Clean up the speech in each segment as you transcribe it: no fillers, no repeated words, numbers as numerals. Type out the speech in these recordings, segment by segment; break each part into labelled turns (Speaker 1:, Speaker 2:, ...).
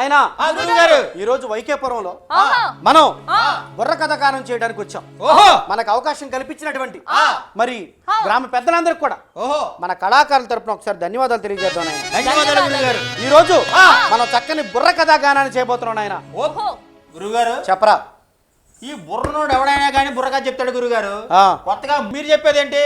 Speaker 1: నాయనా ఈ రోజు వైకేపురంలో మనం బుర్ర కథకారం చేయడానికి వచ్చాం. మనకు అవకాశం కల్పించినటువంటి మరి గ్రామ పెద్దలందరికీ కూడా మన కళాకారుల తరపున ఒకసారి ధన్యవాదాలు తెలియజేద్దాం. ఈ రోజు మనం చక్కని బుర్ర కథాగానాన్ని చేయబోతున్నాం. నాయన
Speaker 2: గురుగారు
Speaker 1: చెప్పరా.
Speaker 2: ఈ బుర్రనోడు ఎవడైనా కానీ బుర్రగా చెప్తాడు గురుగారు. కొత్తగా మీరు చెప్పేది ఏంటి?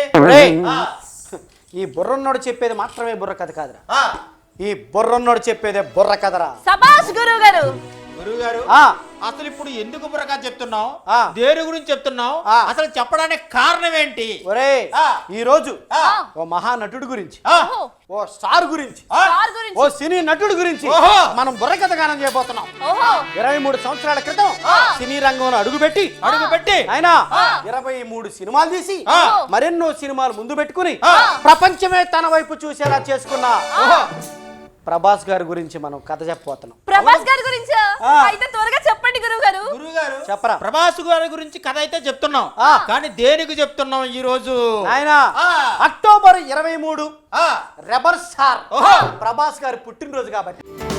Speaker 1: ఈ బుర్రన్నోడు చెప్పేది మాత్రమే బుర్ర కథ కాదురా, ఈ బుర్రన్నోడు చెప్పేదే బుర్ర కథరా.
Speaker 3: సబాష్ గురుగారు.
Speaker 2: గురుగారు అసలు ఇప్పుడు ఎందుకు బుర్రగా చెప్తున్నావు? దేని గురించి చెప్తున్నావు? అసలు చెప్పడానికి కారణం ఏంటి?
Speaker 1: ఒరే ఈ రోజు ఓ మహానటుడు గురించి, ఓ స్టార్ గురించి, ఓ సినీ నటుడు గురించి మనం బుర్ర కథ గానం చేయబోతున్నాం. 23 సంవత్సరాల క్రితం సినీ రంగంలో అడుగుపెట్టి ఆయన 23 సినిమాలు తీసి మరెన్నో సినిమాలు ముందు పెట్టుకుని ప్రపంచమే తన వైపు చూసేలా చేసుకున్న ప్రభాస్ గారి గురించి మనం కథ చెప్పబోతున్నాం.
Speaker 3: ప్రభాస్ గారి గురించి అయితే త్వరగా చెప్పండి గురుగారు.
Speaker 2: గురుగారు
Speaker 1: చెప్పరా.
Speaker 2: ప్రభాస్ గారి గురించి కథ అయితే చెప్తున్నాం, కానీ దేనికి చెప్తున్నాం ఈ రోజు?
Speaker 1: ఆయన అక్టోబర్ 23 రెబల్ స్టార్ ప్రభాస్ గారి పుట్టినరోజు కాబట్టి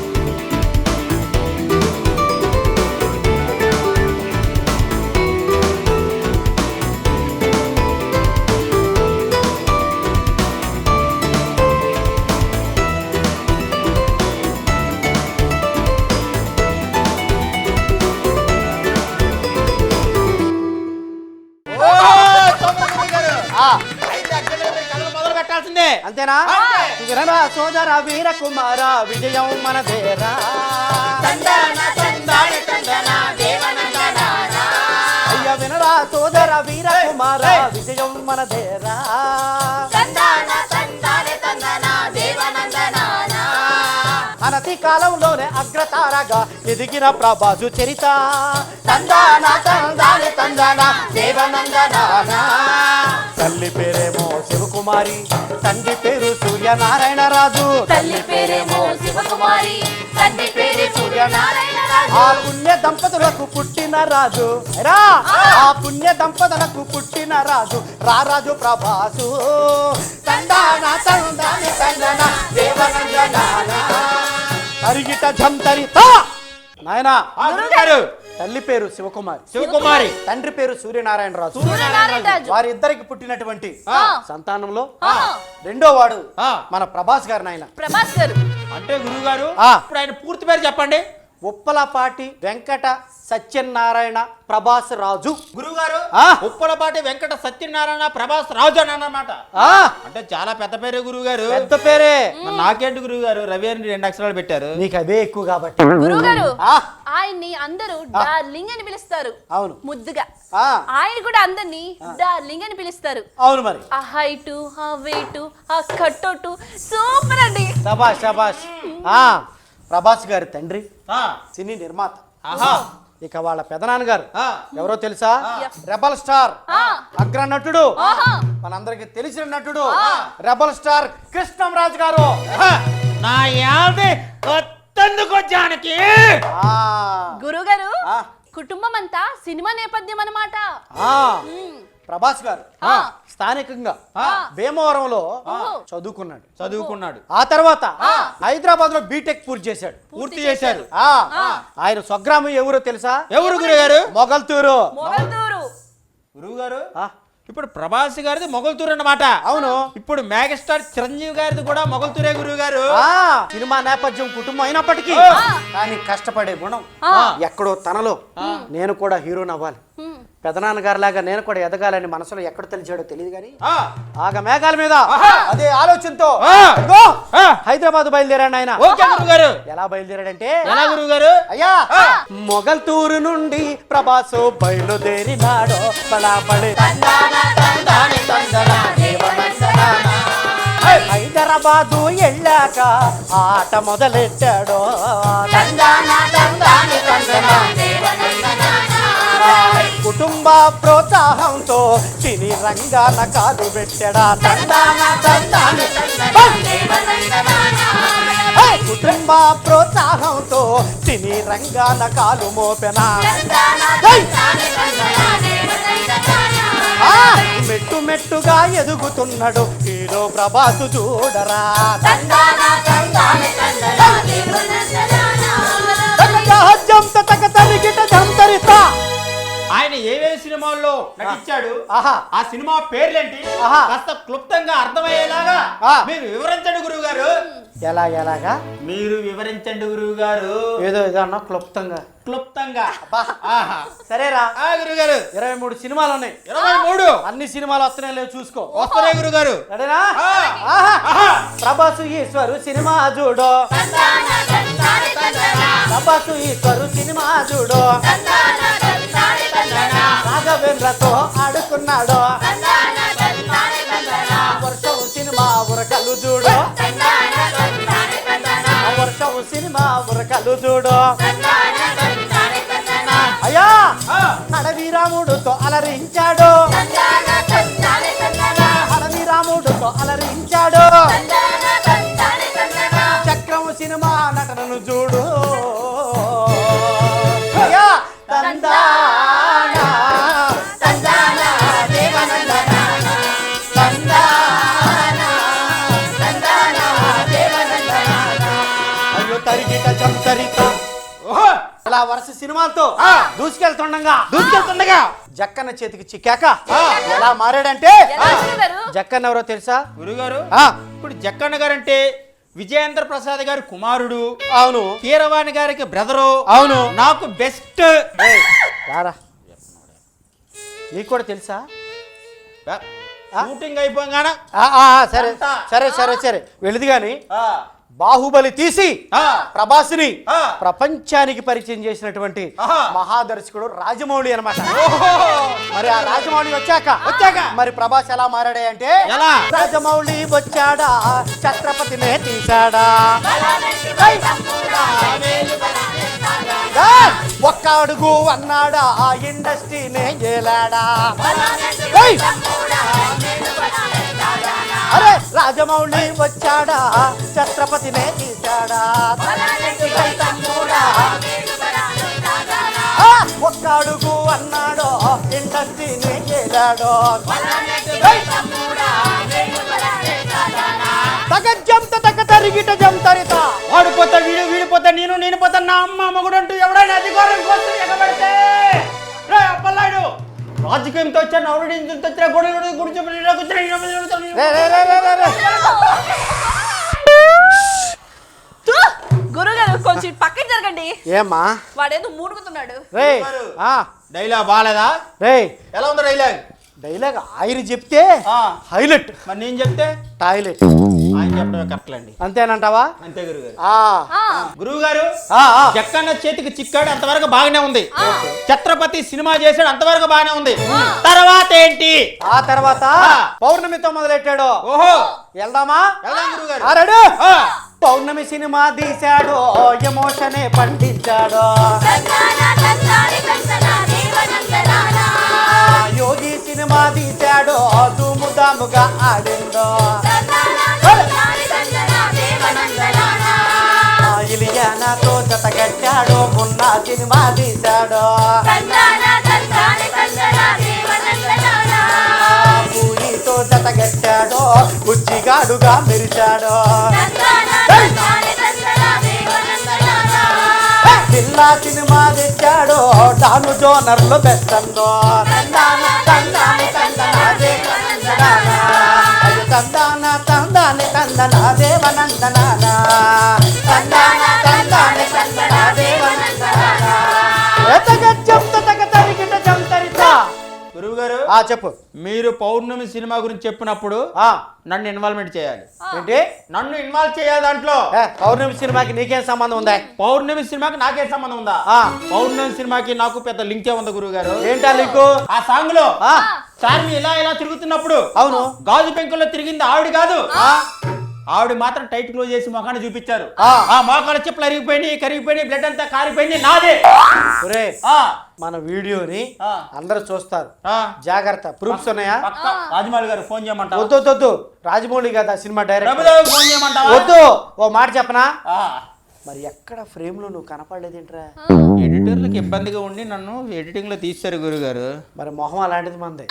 Speaker 1: అంతేనా? వినరా సోదర వీర కుమార విజయం మనదేరా, అయ్య వినరా సోదర వీర కుమార విజయం మనదేరా, అనతి కాలంలోనే అగ్రతారగా ఎదిగిన ప్రభాసు చరిత, తందాన తందాని తందాన దేవనందనానా. తల్లి పేరేమో శివకుమారి, తండ్రి పేరు సూర్యనారాయణ రాజు,
Speaker 3: తల్లి పేరేమో శివకుమారి, తండ్రి పేరు సూర్యనారాయణ రాజు.
Speaker 1: ఆ పుణ్య దంపతులకు పుట్టిన రాజు రా, ఆ పుణ్య దంపతులకు పుట్టిన రాజు రారాజు ప్రభాసు, తందాన తందాని తందన దేవనందనానా. తరిగిట జంతరిత. నాయనా తల్లి పేరు శివకుమారి, తండ్రి పేరు సూర్యనారాయణ రాజు. వారిద్దరికి పుట్టినటువంటి సంతానంలో రెండో వాడు మన ప్రభాస్ గారు. నాయన
Speaker 3: ప్రభాస్ గారు
Speaker 2: అంటే గురుగారు ఇప్పుడు ఆయన పూర్తి పేరు చెప్పండి.
Speaker 1: ఉప్పలపాటి వెంకట సత్యనారాయణ ప్రభాస్ రాజు.
Speaker 2: గురుగారు ఉప్పలపాటి వెంకట సత్యనారాయణ ప్రభాస్ రాజు అని అన్నమాట. అంటే చాలా పెద్ద పేరే గురుగారు.
Speaker 1: పెద్ద పేరే.
Speaker 2: నాకేంటి గురుగారు రవి అని 2 అక్షరాలు పెట్టారు.
Speaker 1: నీకు అదే ఎక్కువ కాబట్టి.
Speaker 3: గురుగారు ఆయన్ని అందరూ డార్లింగ్ అని పిలుస్తారు.
Speaker 1: అవును
Speaker 3: ముద్దుగా. ఆయన కూడా అందరినీ డార్లింగ్ అని పిలుస్తారు.
Speaker 1: అవును మరి.
Speaker 3: ఆ హైట్, ఆ వెయిట్, ఆ కట్అవుట్ సూపర్ అండి.
Speaker 1: శభాష్ శభాష్. ప్రభాస్ గారి తండ్రి సినీ నిర్మాత. ఇక వాళ్ళ పెదనాన్నగారు ఎవరో తెలుసా? రెబల్ స్టార్ అగ్ర నటుడు, మనందరికి తెలిసిన నటుడు రెబల్ స్టార్ కృష్ణంరాజు గారు.
Speaker 2: నా యాది కొత్తెందుకు జానకి.
Speaker 3: గురుగారు కుటుంబం అంతా సినిమా నేపథ్యం అన్నమాట.
Speaker 1: ప్రభాస్ గారు స్థానికంగా భీమవరంలో చదువుకున్నాడు. ఆ తర్వాత హైదరాబాద్ లో బీటెక్ పూర్తి చేశాడు. ఆయన స్వగ్రామం ఎవరో తెలుసా?
Speaker 2: ఎవరు గురుగారు?
Speaker 1: మొగల్తూరు.
Speaker 2: గురుగారు ఇప్పుడు ప్రభాస్ గారిది మొగల్తూరు అన్నమాట.
Speaker 1: అవును.
Speaker 2: ఇప్పుడు మెగాస్టార్ చిరంజీవి గారిది కూడా మొగల్తూరే గురుగారు.
Speaker 1: సినిమా నేపథ్యం కుటుంబం అయినప్పటికీ కానీ కష్టపడే గుణం ఎక్కడో తనలో. నేను కూడా హీరోని అవ్వాలి, పెదనాన్నగారి లాగా నేను కూడా ఎదగాలని మనసులో ఎక్కడ తెలిసాడో తెలియదు కానీ ఆగ మేఘాల మీద అదే ఆలోచనతో హైదరాబాద్ బయలుదేరాడు ఆయన. ఎలా బయలుదేరాడంటే అయ్యా మొగల్తూరు నుండి ప్రభాసు బయలుదేరినాడో హైదరాబాదు వెళ్ళాక ఆట మొదలెట్టాడో. కుటుంబ ప్రోత్సాహంతో సినీ రంగాన కాలు పెట్టడా. కుటుంబ ప్రోత్సాహంతో సినీ రంగాన కాలు మోపెనా. మెట్టు మెట్టుగా ఎదుగుతున్నాడు హీరో ప్రభాసు చూడరా. సహజం తక తరిగిట జంతరిత.
Speaker 2: ఆయన ఏమేమి సినిమాల్లో నటించాడు,
Speaker 1: ఆహా.
Speaker 2: ఆ సినిమా పేర్లేంటి
Speaker 1: ఆహా.
Speaker 2: కాస్త క్లుప్తంగా అర్థమయ్యేలాగా
Speaker 1: ఆ.
Speaker 2: మీరు వివరించండి గురువు గారు.
Speaker 1: ఎలాగా
Speaker 2: మీరు వివరించండి గురువు గారు.
Speaker 1: ఏదో అన్నా క్లుప్తంగా.
Speaker 2: క్లుప్తంగా.
Speaker 1: అబ్బా.
Speaker 2: ఆహా.
Speaker 1: సరేరా,
Speaker 2: గురువు గారు
Speaker 1: 23 సినిమాలు ఉన్నాయి.
Speaker 2: 23
Speaker 1: అన్ని సినిమాలు వస్తున్నాయి లేవు చూసుకో.
Speaker 2: వస్తున్నాయి గురువు గారు.
Speaker 1: సరేనా?
Speaker 2: ఆ.
Speaker 1: ఆహా.
Speaker 2: ఆహా.
Speaker 1: ప్రభాసు ఈశ్వరు సినిమా చూడు, ప్రభాసు ఈశ్వరు సినిమా చూడు. రాఘవేంద్రతో ఆడుకున్నాడు, వర్షం సినిమా ఉరకలు చూడు, వర్షం సినిమా ఉరకలు చూడు. అయ్యా అడవి రాముడుతో అలరించాడు, అడవి రాముడుతో అలరించాడు. చక్రం సినిమా నటనను చూడు. అయ్యా తందాన తందాన దేవనందన తందాన తందాన దేవనందన. అయ్యో తరిగిట చంతరిత.
Speaker 2: ఓహో.
Speaker 1: అలా వరుస సినిమాలతో
Speaker 2: దూసుకెళ్తుండగా
Speaker 1: జక్కన్న చేతికి చిక్కాక ఎలా మారాడంటే, జక్కన్న ఎవరో తెలుసా
Speaker 2: గురుగారు?
Speaker 1: ఆ,
Speaker 2: ఇప్పుడు జక్కన్న గారు అంటే విజయేంద్ర ప్రసాద్ గారి కుమారుడు,
Speaker 1: అవును
Speaker 2: కీరవాణి గారికి బ్రదరు,
Speaker 1: అవును.
Speaker 2: నాకు బెస్ట్.
Speaker 1: రారా, నీకు కూడా తెలుసా?
Speaker 2: షూటింగ్ అయిపోగానే
Speaker 1: సరే సరే సరే సరే వెళ్ళదు గాని బాహుబలి తీసి ప్రభాస్ని ప్రపంచానికి పరిచయం చేసినటువంటి మహాదర్శకుడు రాజమౌళి అన్నమాట. మరి ఆ రాజమౌళి వచ్చాక మరి ప్రభాస్ ఎలా మారాడే అంటే,
Speaker 2: ఎలా?
Speaker 1: రాజమౌళి వచ్చాడా ఛత్రపతినే తీశాడా, ఒక్క అడుగు అన్నాడా ఆ ఇండస్ట్రీనే ఏలాడా. అరే రాజమౌళి వచ్చాడా ఛత్రపతినే తీశాడా, ఒక్క అడుగు అన్నాడో ఇండస్ట్రీని చేరాడో. తగజంత తగ తరిగిట జంతరిత.
Speaker 2: వాడిపోతా వీడిపోతా నేను పోతా నా అమ్మ మగుడు అంటూ ఎవడైనా అధికారం కోసం ఎగబడితే అప్పలాడు రాజకీయంతో వచ్చా నవడింతో వచ్చిన గొడవ
Speaker 4: గురుగారు కొంచెం పక్కకి జరగండి.
Speaker 1: ఏమ్మా
Speaker 4: వాడేదో మూడుకుతున్నాడు.
Speaker 1: రే
Speaker 2: డైలాగ్ బాగాలేదా?
Speaker 1: రే
Speaker 2: ఎలా ఉంది డైలాగ్?
Speaker 1: డైలాగ్ ఆయన చెప్తే హైలైట్,
Speaker 2: మరి నేను చెప్తే
Speaker 1: టాయిలెట్.
Speaker 2: ఆయన చెప్పడమే కరెక్ట్ అండి.
Speaker 1: అంతేనంటావా?
Speaker 2: అంతే గురుగారు.
Speaker 4: గురువు
Speaker 2: గారు జక్కన్న చేతికి చిక్కాడు అంతవరకు బాగానే ఉంది. ఛత్రపతి సినిమా చేశాడు అంతవరకు బాగానే ఉంది. తర్వాత ఏంటి?
Speaker 1: ఆ తర్వాత పౌర్ణమితో మొదలెట్టాడు.
Speaker 2: ఓహో
Speaker 1: వెళ్దామా?
Speaker 2: వెళ్దాం గురుగారు.
Speaker 1: ఆరాడు పౌర్ణమి సినిమా తీశాడు, ఎమోషనే పండించాడు. యోగి సినిమా తీశాడు, దుముదాముగా ఆడిందో. ఇలియానాతో జతగట్టాడు, మొన్న సినిమా తీశాడు. పూరితో జతగట్టాడు, బుజ్జిగాడుగా మెరిచాడు. పిల్లా సినిమా తెచ్చాడు, డాను జోనర్లు బెస్ట్ అందో. తందాన తందాని తందన దేవనందనాన తందాన తందాని తందన దేవనందనాన. తరిగిట జంతరిత.
Speaker 2: గురువు గారు
Speaker 1: చెప్పు.
Speaker 2: మీరు పౌర్ణమి సినిమా గురించి చెప్పినప్పుడు నన్ను ఇన్వాల్వ్మెంట్ చేయాలి.
Speaker 1: ఏంటి?
Speaker 2: నన్ను ఇన్వాల్వ్ చేయాలి దాంట్లో.
Speaker 1: పౌర్ణమి సినిమాకి నీకేం సంబంధం ఉందా?
Speaker 2: పౌర్ణమి సినిమాకి నాకేం సంబంధం ఉందా? పౌర్ణమి సినిమాకి నాకు పెద్ద లింకే ఉంది గురువు గారు.
Speaker 1: ఏంటా లింకు?
Speaker 2: ఆ సాంగ్ లో చార్మి ఇలా తిరుగుతున్నప్పుడు
Speaker 1: అవును
Speaker 2: గాజు పెంకుల్లో తిరిగింది ఆవిడ కాదు, ఆవిడ మాత్రం టైట్ క్లోజ్ చేసి మొఖాన్ని చూపించారు. ఆ మోకాల చెప్పులు కరిగిపోయినాయి, బ్లడ్ అంతా కారిపోయింది నాదే.
Speaker 1: మన వీడియోని అందరూ చూస్తారు, జాగ్రత్త. ప్రూఫ్స్ ఉన్నాయా?
Speaker 2: రాజమౌళి గారు ఫోన్ చేయమంటా?
Speaker 1: వద్దు రాజమౌళి కదా సినిమా డైరెక్టర్,
Speaker 2: ఫోన్ చేయమంటా?
Speaker 1: వద్దు. ఓ మాట చెప్పనా? మరి ఎక్కడ ఫ్రేమ్ లో నువ్వు కనపడలేదేంట్రా?
Speaker 2: ఎడిటర్లకు ఇబ్బందిగా ఉండి నన్ను ఎడిటింగ్ లో తీశారు గురుగారు.
Speaker 1: మరి మొహం అలాంటిది మంది.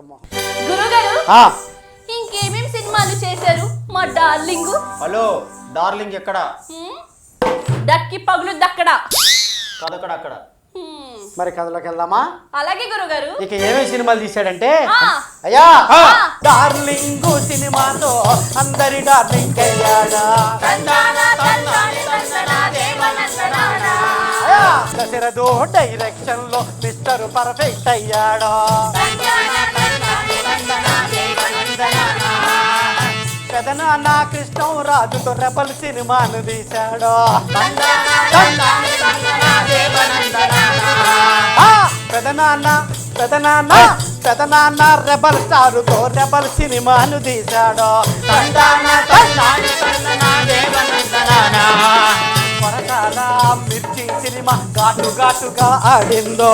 Speaker 4: గురుగారు ఇంకేమేం సినిమాలు చేశారు మా డార్లింగ్?
Speaker 2: హలో డార్లింగ్ ఎక్కడ?
Speaker 4: దక్కి పగులు దక్కడ.
Speaker 2: కదక్కడ అక్కడ.
Speaker 1: మరి కథలోకి వెళ్దామా?
Speaker 4: అలాగే గురుగారు.
Speaker 1: ఇక ఏమేమి సినిమాలు తీశాడంటే
Speaker 4: ఆ.
Speaker 1: అయ్యా డార్లింగ్ సినిమాతో అందరి డార్లింగ్ అయ్యాడా. అయ్యా దశరథో డైరెక్షన్ లో మిస్టర్ పర్ఫెక్ట్ అయ్యాడా. పెదనాన్న కృష్ణరాజుతో రెబల్ సినిమాను తీశాడు. పెదనాన్న రెబల్ స్టారుతో రెబల్ సినిమాను తీశాడు. కొరటాల మిర్చి సినిమా ఘాటు ఘాటుగా ఆడిందో.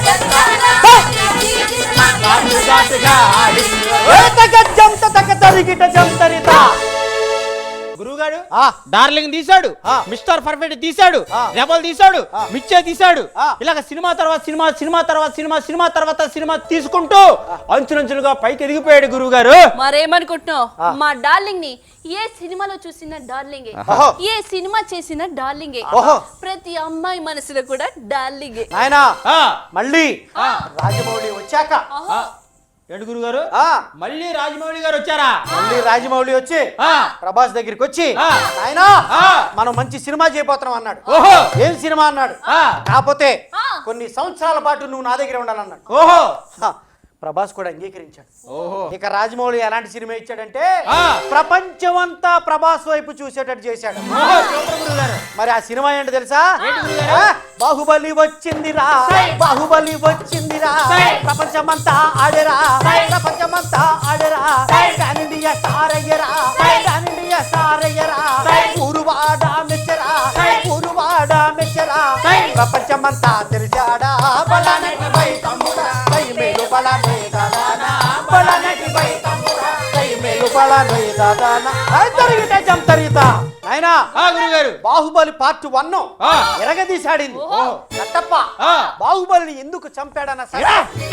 Speaker 2: గురుగారు డార్లింగ్ తీశాడు, మిస్టర్ పర్ఫెక్ట్ తీశాడు, రెబల్ తీశాడు, మిచ్చే తీశాడు. ఇలాగ సినిమా తర్వాత సినిమా, సినిమా తర్వాత సినిమా, సినిమా తర్వాత సినిమా తీసుకుంటూ అంచులంచులుగా పైకి ఎదిగిపోయాడు గురువు గారు.
Speaker 4: మరేమనుకుంటున్నావు? మా డార్లింగ్ ని ఏ సినిమాలో చూసిన డార్లింగే, ఏ సినిమా చేసిన డార్లింగే, ప్రతి అమ్మాయి మనసులో కూడా డార్లింగే.
Speaker 1: ఆయన మళ్ళీ రాజమౌళి వచ్చాక
Speaker 2: ఏంటి గురుగారు మళ్ళీ రాజమౌళి గారు వచ్చారా?
Speaker 1: మళ్ళీ రాజమౌళి వచ్చి ప్రభాస్ దగ్గరికి వచ్చి ఆయన మనం మంచి సినిమా చేయబోతున్నాం అన్నాడు. ఏం సినిమా అన్నాడు. కాకపోతే కొన్ని సంవత్సరాల పాటు నువ్వు నా దగ్గర ఉండాలన్నాడు.
Speaker 2: ఓహో
Speaker 1: ప్రభాస్ కూడా అంగీకరించాడు. ఇక రాజమౌళి ఎలాంటి సినిమా ఇచ్చాడంటే ప్రపంచమంతా ప్రభాస్ వైపు చూసేటట్టు చేశాడు. మరి ఆ సినిమా ఏంటో తెలుసా? బాహుబలి వచ్చిందిరా, బాహుబలి వచ్చిందిరా, ప్రపంచమంతా ఆడేరా, ప్రపంచమంతా ఆడేరా, పాన్ ఇండియా స్టార్ అయ్యరా, పాన్ ఇండియా స్టార్ అయ్యరా, ఊరువాడ మెచ్చరా, ఊరువాడ మెచ్చరా, ప్రపంచమంతా తెలిసాడా. బలానటి బై తమ్ముడా బై మేలు బలానే దాదానా, బలానటి బై తమ్ముడా బై మేలు బలానే దాదానా. జరిగితే జంతరిత ఆయన
Speaker 2: గురుగారు
Speaker 1: బాహుబలి పార్ట్ 1 ఎరగదీశాడింది. కట్టప్ప బాహుబలిని ఎందుకు చంపాడన్న సరే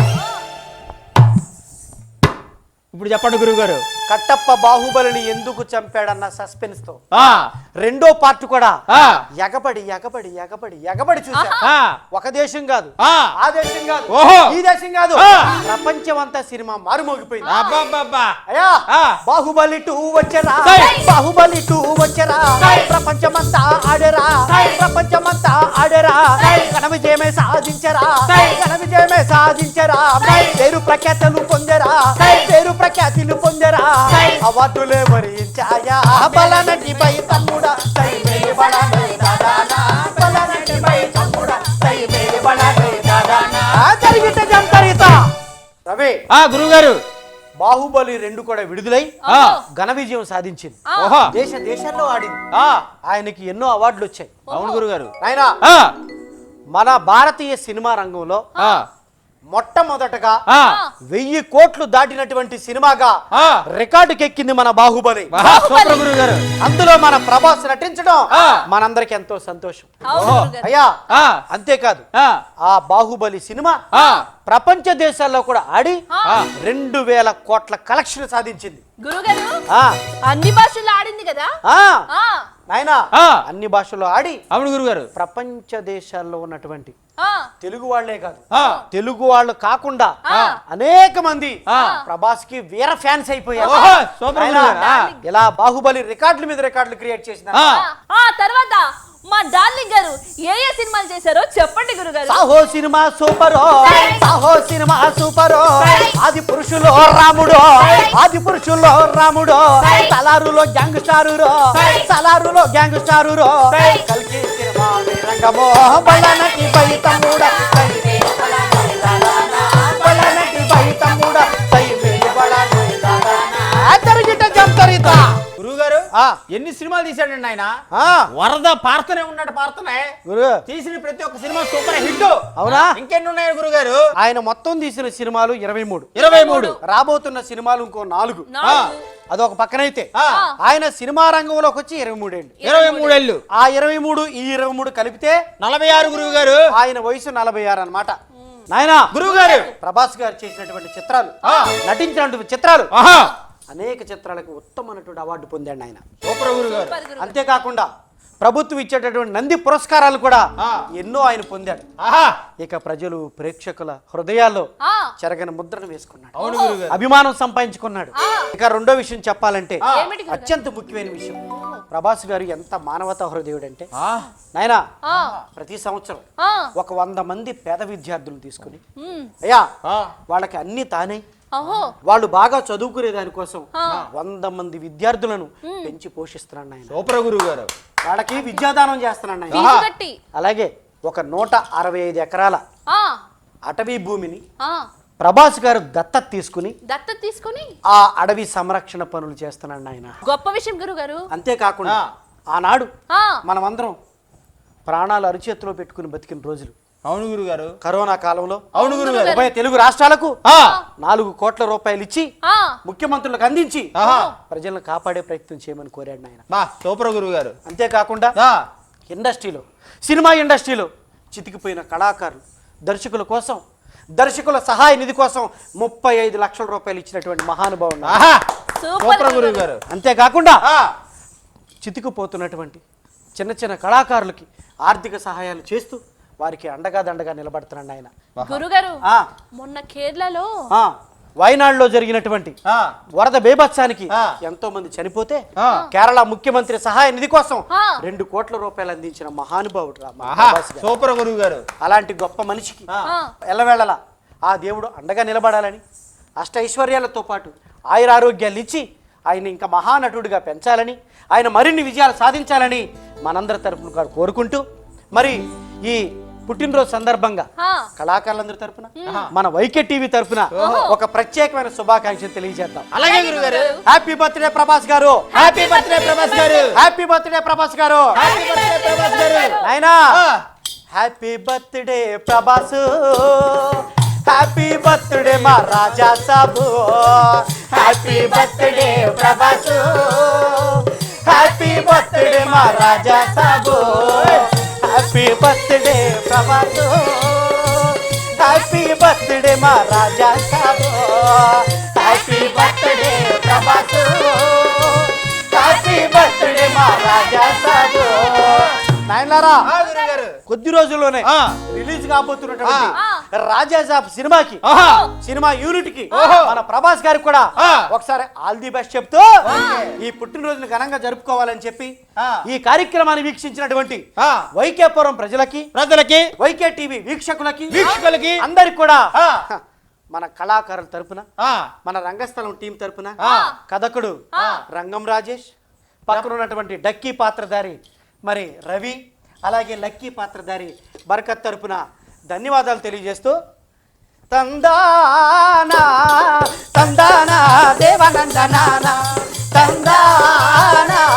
Speaker 2: ఇప్పుడు చెప్పండి గురుగారు.
Speaker 1: కట్టప్ప బాహుబలిని ఎందుకు చంపాడన్న సస్పెన్స్ తో రెండో పార్ట్ కూడా ఎగబడి ఎగబడి ఎగబడి ఎగబడి చూసా. ఒక దేశం కాదు, ఆ దేశం కాదు, ఈ దేశం కాదు, ప్రపంచం అంతా సినిమా మారుమోగిపోయింది. అయ్యా బాహుబలి 2 వచ్చరా, బాహుబలి 2 వచ్చరా, ప్రపంచమంతా ఆడరా, ప్రపంచమంతా ఆడరా, ఘన విజయమే సాధించరా, ఘన విజయమే సాధించరా, పేరు ప్రఖ్యాతులు పొందరా, పేరు ప్రఖ్యాతులు పొందరా, అవార్డులే భరించాయా. బలనటి పై తమ్ముడా సై మేలు బలనై దాదానా, బలనటి పై తమ్ముడా సై మేలు బలనై దాదానా. జరిగితే జంతరిత రవి
Speaker 2: గురుగారు
Speaker 1: బాహుబలి 2 కూడా విడుదలై ఘన విజయం సాధించింది. దేశ దేశాల్లో ఆడింది. ఆయనకి ఎన్నో అవార్డులు వచ్చాయి.
Speaker 2: అవును గురుగారు.
Speaker 1: ఆయన మన భారతీయ సినిమా రంగంలో మొట్టమొదటగా 1000 కోట్లు దాటినటువంటి సినిమాగా రికార్డుకెక్కింది మన బాహుబలి. అందులో మన ప్రభాస్ నటించడం మనందరికి ఎంతో సంతోషం. అయ్యా అంతేకాదు ఆ బాహుబలి సినిమా ప్రపంచ దేశాల్లో కూడా ఆడి 2000 కోట్ల కలెక్షన్ సాధించింది.
Speaker 4: గురుగారు అన్ని భాషల్లో ఆడింది కదా
Speaker 1: నాయనా, అన్ని భాషల్లో ఆడి.
Speaker 2: అవును గురుగారు.
Speaker 1: ప్రపంచ దేశాల్లో ఉన్నటువంటి తెలుగు వాళ్లే కాదు, తెలుగు వాళ్ళు కాకుండా అనేక మంది ప్రభాస్ కి వీర ఫ్యాన్స్ అయిపోయారు. ఇలా బాహుబలి రికార్డుల మీద రికార్డులు క్రియేట్ చేసిన
Speaker 4: తర్వాత మా డార్లింగ్ గారు ఏ ఏ సినిమాలు చేశారో చెప్పండి గురుగారు.
Speaker 1: Saaho cinema super, Saaho cinema super, ఆది పురుషులో రాముడు, ఆది పురుషుల్లో రాముడు, సలారులో గ్యాంగ్ స్టారు, సలారులో గ్యాంగ్ స్టారు, కల్కి సినిమా రంగమో, బలనటి పై తమ్ముడా బలనటి పై తమ్ముడా సై మేలు బలనై దాదానా. జరిగిట జంతరిత
Speaker 2: గురుగారు ఎన్ని సినిమాలు తీశాడండి ఆయన. వరద పాడుతూనే ఉన్నాడు, పాడుతూనే తీసిన ప్రతి ఒక్క సినిమా సూపర్ హిట్.
Speaker 1: అవునా?
Speaker 2: ఇంకెన్ని ఉన్నాయి గురుగారు?
Speaker 1: ఆయన మొత్తం తీసిన సినిమాలు 23. రాబోతున్న సినిమాలు ఇంకో 4. అదొక పక్కనైతే ఆయన సినిమా రంగంలోకి వచ్చి 23 ఏళ్ళు.
Speaker 2: 23 ఏళ్ళు.
Speaker 1: ఆ 23 ఈ 23 కలిపితే
Speaker 2: 46 గురువు గారు.
Speaker 1: ఆయన వయసు 46 అన్నమాట. నాయనా
Speaker 2: గురువు గారు
Speaker 1: ప్రభాస్ గారు చేసినటువంటి చిత్రాలు, నటించినటువంటి చిత్రాలు అనేక చిత్రాలకు ఉత్తమమైనటువంటి అవార్డు పొందాడు ఆయన.
Speaker 2: సూపర్ గురుగారు.
Speaker 4: సూపర్ గురుగారు.
Speaker 1: అంతేకాకుండా ప్రభుత్వం ఇచ్చేటటువంటి నంది పురస్కారాలు కూడా ఎన్నో ఆయన పొందాడు.
Speaker 2: ఆహా
Speaker 1: ఇక ప్రజలు ప్రేక్షకుల హృదయాల్లో
Speaker 4: ఆ,
Speaker 1: చెరగని ముద్రను వేసుకున్నాడు,
Speaker 2: అవును గురుగారు.
Speaker 1: అభిమానం సంపాదించుకున్నాడు. ఇక రెండో విషయం చెప్పాలంటే
Speaker 4: ఏమిటి గురుగారు?
Speaker 1: అత్యంత ముఖ్యమైన విషయం, ప్రభాస్ గారు ఎంత మానవతా హృదయుడు అంటే
Speaker 2: ఆ,
Speaker 1: నాయనా
Speaker 4: ఆ,
Speaker 1: ప్రతి సంవత్సరం
Speaker 4: ఆ,
Speaker 1: ఒక 100 మంది పేద విద్యార్థులను తీసుకుని
Speaker 4: ఉమ్,
Speaker 1: అయ్యా
Speaker 2: ఆ,
Speaker 1: వాళ్ళకి అన్ని తానే
Speaker 4: అహో,
Speaker 1: వాళ్ళు బాగా చదువుకునే దానికోసం
Speaker 4: ఆ.
Speaker 1: 100 మంది విద్యార్థులను పెంచి పోషిస్తున్నాడు ఆయన.
Speaker 2: సూపర్ గురుగారు.
Speaker 1: వాళ్ళకి విద్యాదానం చేస్తున్నాడు ఆయన.
Speaker 4: ఫీజు కట్టి,
Speaker 1: అలాగే ఒక 165 ఎకరాల
Speaker 4: ఆ,
Speaker 1: అటవీ భూమిని
Speaker 4: ఆ,
Speaker 1: ప్రభాస్ గారు దత్తత తీసుకుని
Speaker 4: దత్తత తీసుకొని
Speaker 1: ఆ అడవి సంరక్షణ పనులు చేస్తున్నాడు ఆయన.
Speaker 4: గొప్ప విషయం గురుగారు.
Speaker 1: అంతేకాకుండా
Speaker 2: ఆ.
Speaker 1: ఆనాడు
Speaker 4: ఆ,
Speaker 1: మనమందరం ప్రాణాలు అరిచేతిలో పెట్టుకుని బతికిన రోజులు
Speaker 2: అవును గురుగారు.
Speaker 1: కరోనా కాలంలో
Speaker 2: అవును గురుగారు.
Speaker 1: ఉభయ తెలుగు రాష్ట్రాలకు
Speaker 2: ఆ,
Speaker 1: 4 కోట్ల రూపాయలు ఇచ్చి
Speaker 4: ఆ,
Speaker 1: ముఖ్యమంత్రులకు అందించి
Speaker 2: ఆహా
Speaker 1: ప్రజలను కాపాడే ప్రయత్నం చేయమని కోరాడు ఆయన.
Speaker 2: బా సూపర్ గురుగారు.
Speaker 1: అంతేకాకుండా
Speaker 2: ఆ,
Speaker 1: ఇండస్ట్రీలో సినిమా ఇండస్ట్రీలో చితికిపోయిన కళాకారులు దర్శకుల కోసం దర్శకుల సహాయ నిధి కోసం 35 లక్షల రూపాయలు ఇచ్చినటువంటి మహానుభావుడు.
Speaker 2: ఆహా
Speaker 4: సూపర్
Speaker 2: సూపర్
Speaker 4: గురుగారు.
Speaker 2: గురుగారు.
Speaker 1: అంతేకాకుండా
Speaker 2: ఆ,
Speaker 1: చితికిపోతున్నటువంటి చిన్న చిన్న కళాకారులకి ఆర్థిక సహాయాలు చేస్తూ వారికి అండగా దండగా నిలబడుతున్నాడు ఆయన.
Speaker 4: గురుగారు
Speaker 1: ఆ,
Speaker 4: మొన్న కేరళలో
Speaker 1: ఆ, వయనాడులో జరిగినటువంటి
Speaker 2: ఆ,
Speaker 1: వరద బేభత్సానికి
Speaker 2: ఆ.
Speaker 1: ఎంతో మంది చనిపోతే
Speaker 2: ఆ.
Speaker 1: కేరళ ముఖ్యమంత్రి సహాయ నిధి కోసం
Speaker 4: ఆ.
Speaker 1: 2 కోట్ల రూపాయలు అందించిన మహానుభావుడు రా మా
Speaker 2: ఆహా
Speaker 1: ప్రభాస్ గారు.
Speaker 2: సూపర్ గురుగారు.
Speaker 1: అలాంటి గొప్ప మనిషికి
Speaker 2: ఆ,
Speaker 4: ఆ,
Speaker 1: ఎల్లవేళలా ఆ దేవుడు అండగా నిలబడాలని అష్ట ఐశ్వర్యాలతో పాటు ఆయురారోగ్యాలు ఇచ్చి ఆయన ఇంకా మహానటుడిగా పెంచాలని ఆయన మరిన్ని విజయాలు సాధించాలని మనందరి తరపున కోరుకుంటూ మరి ఈ పుట్టినరోజు సందర్భంగా
Speaker 4: ఆ,
Speaker 1: కళాకారులందరి తరపున మన వైకే టీవీ తరపున ఒక ప్రత్యేకమైన శుభాకాంక్షలు తెలియజేద్దాం.
Speaker 2: అలాగే గురుగారు.
Speaker 1: హ్యాపీ బర్త్డే ప్రభాస్ గారు,
Speaker 2: హ్యాపీ బర్త్డే ప్రభాస్ గారు.
Speaker 1: హ్యాపీ బర్త్డే ప్రభాస్ గారు.
Speaker 2: Happy birthday Prabhas garu.
Speaker 1: నాయనా
Speaker 2: ఆ,
Speaker 1: happy birthday Prabhas, happy birthday మా Raja Saab, happy birthday Prabhas, happy birthday మా Raja Saab, happy birthday Prabhas, happy birthday మా Raja Saab, happy birthday Prabhas, happy birthday మా రాజా సాబు. నాయనలారా
Speaker 2: ఆ గురుగారు.
Speaker 1: కొద్ది రోజుల్లోనే
Speaker 2: ఆ.
Speaker 1: రిలీజ్ కాబోతున్నటువంటి
Speaker 4: ఆ.
Speaker 1: రాజా సాబ్ సినిమాకి
Speaker 2: ఆహా
Speaker 1: సినిమా యూనిట్ కి
Speaker 2: ఓహో.
Speaker 1: మన ప్రభాస్ గారికి కూడా
Speaker 2: ఆ.
Speaker 1: ఒకసారి ఆల్ ది బెస్ట్ చెప్తూ ఈ పుట్టినరోజును ఘనంగా జరుపుకోవాలని చెప్పి
Speaker 2: ఆ.
Speaker 1: ఈ కార్యక్రమాన్ని వీక్షించినటువంటి
Speaker 2: ఆ.
Speaker 1: వైకేపురం ప్రజలకి
Speaker 2: ప్రజలకి
Speaker 1: వైకే టీవీ వీక్షకులకి
Speaker 2: వీక్షకులకి
Speaker 1: అందరికి కూడా
Speaker 2: ఆ.
Speaker 1: మన కళాకారుల తరపున
Speaker 2: ఆ,
Speaker 1: మన రంగస్థలం టీం తరపున
Speaker 2: ఆ.
Speaker 1: కథకుడు రంగం రాజేష్, పక్కన ఉన్నటువంటి డక్కీ పాత్రధారి మరి రవి, అలాగే లక్కీ పాత్రధారి బర్కత్ తరపున ధన్యవాదాలు తెలియజేస్తూ తందానా తందానా దేవనందనానా తందానా